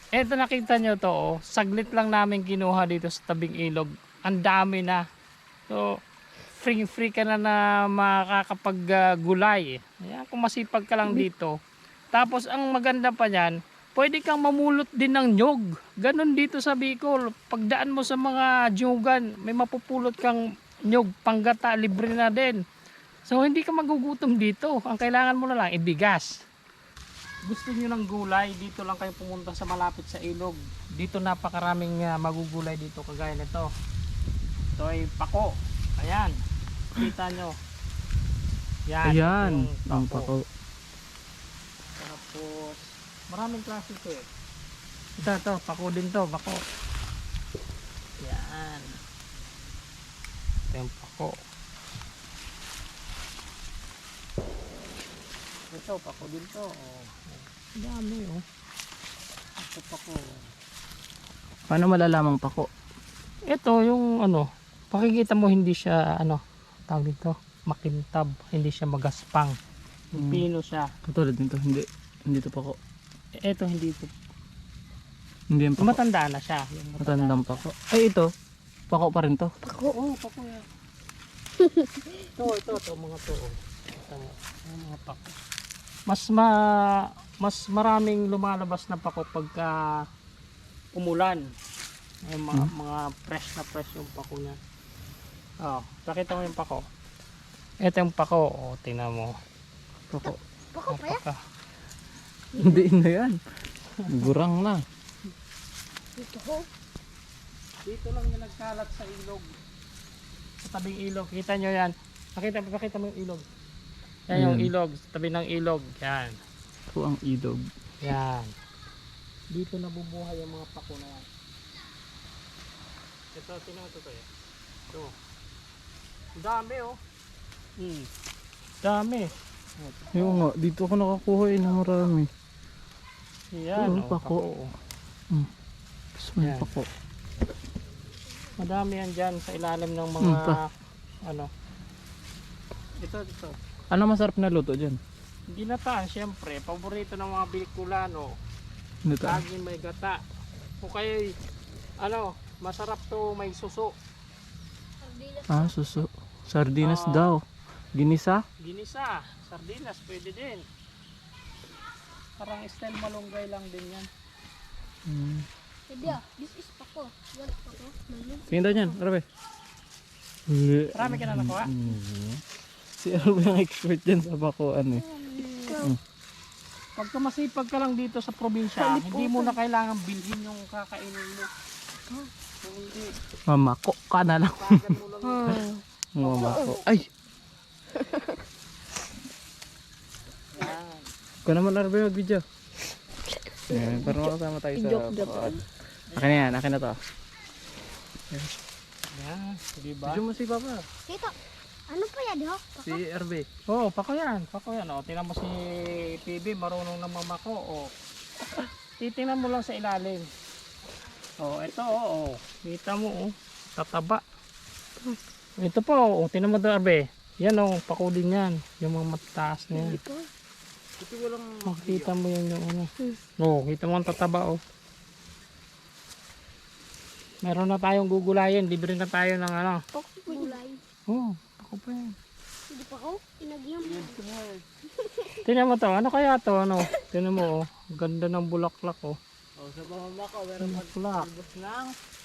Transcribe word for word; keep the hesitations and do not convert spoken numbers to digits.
Eto nakita nyo to, oh. Saglit lang namin kinuha dito sa tabing ilog. Ang dami na. So, free free ka na na makakapag-gulay. Ayan, kung masipag ka lang dito. Tapos ang maganda pa niyan, pwede kang mamulot din ng nyog. Ganon dito sa Bicol. Pagdaan mo sa mga nyugan, may mapupulot kang nyog, panggata, libre na din. So hindi ka magugutom dito. Ang kailangan mo na lang ibigas. Gusto niyo ng gulay, dito lang kayo pumunta sa malapit sa ilog. Dito napakaraming uh, magugulay dito kagaya nito. Ito ay pako. Ayan. Kita nyo. Yan. Ayan, Yung ang pako. Tapos, maraming klase ito eh. Ito, ito. Pako din to. Pako. Yan. Ito yung pako. Ito, pako din to. Oh. Ang dami oh. Ito pako. Paano malalamang pako? Ito yung ano, pakikita mo hindi siya ano, tawag dito, makintab, hindi siya magaspang. Hmm. Pino siya. Katulad nito, hindi. Hindi to pako. Ito hindi ito. Hindi yan pako. Matanda na siya. Yung Matandang pako. Ay, ito. Pako pa rin to. Pako. Oo, oh, pako yan. ito, ito, ito, mga to. Oh. Ito, yung mga pako. Mas ma mas maraming lumalabas na pako pagka umulan. Ay, mga, Hmm. mga fresh na fresh yung pako niya. Oh, nakita mo yung pako. Ito yung pako. Oh, tingnan mo. Pako. Pako pa yan? Napaka. Hindi na yan. Gurang na. Dito ho. Dito lang yung nagkalat sa ilog. Sa tabing ilog. Kita nyo yan. Pakita, pakita mo yung ilog. Yan yung Ayan. ilog. Sa tabi ng ilog. Yan. Ito ang ilog. Yan. Dito nabubuhay yung mga pako na yan. Ito, sino ito to eh? Ito. Ang dami oh. Hmm. Dami. Yung nga, dito ako nakakuha eh ng marami. Yan. Oo, Oh, pako. pako. oh. Gusto mo yung Yan. pako. Madami yan dyan sa ilalim ng mga Hmm, pa. ano. Ito, ito. Ano masarap na luto dyan? Ginataan, syempre. Paborito ng mga Bicolano. Dito. Laging may gata. O kaya, ano, masarap to may suso. Sardinas. Ah, suso. Sardinas Ah. daw. Ginisa? Ginisa, sardinas, pwede din. Parang style malunggay lang din yan. Hmm. Hindi ah. This is pako. Wala pako. Malun. Tingin daw dyan, Arabe. Marami ka na nakuha? Mhm. Si Arabe ang expert dyan sa bakuan eh. Pagka masipag ka lang dito sa probinsya, hindi mo na kailangan bilhin yung kakainin mo. Kung hindi, Mamako ka na lang. kagad mo lang yun. Mamako. Ay! Yan. Ikaw naman Arabe mag-video. Ayan, para makasama tayo sa bakuan. Akin na yan, akin na to. Yan, di ba? Video mo si Papa. Tito. Ano pa yan ho? Pako. Si Arabe. Oo, oh, pako yan, pako yan. O, tingnan mo si P B, marunong na mamako. O, titingnan mo lang sa ilalim. O, ito, o, o. Kita mo, o. Tataba. Ito po, o, tingnan mo doon, Arbe. Yan, o, pako din yan. Yung mga mataas na yan. Ito. Ito walang... Makita mo yan yung ano. O, kita mo ang tataba, o. Meron na tayong gugulayin. Libre na tayo ng ano. Pako. Gulay. Oo, pako pa yan. Hindi pako. Inagyam. Tingnan mo to, ano kaya to, ano? Tingnan mo, oh. Ganda ng bulaklak, oh. Oh, sa pamamako, meron Bulaklak. pag-albos ng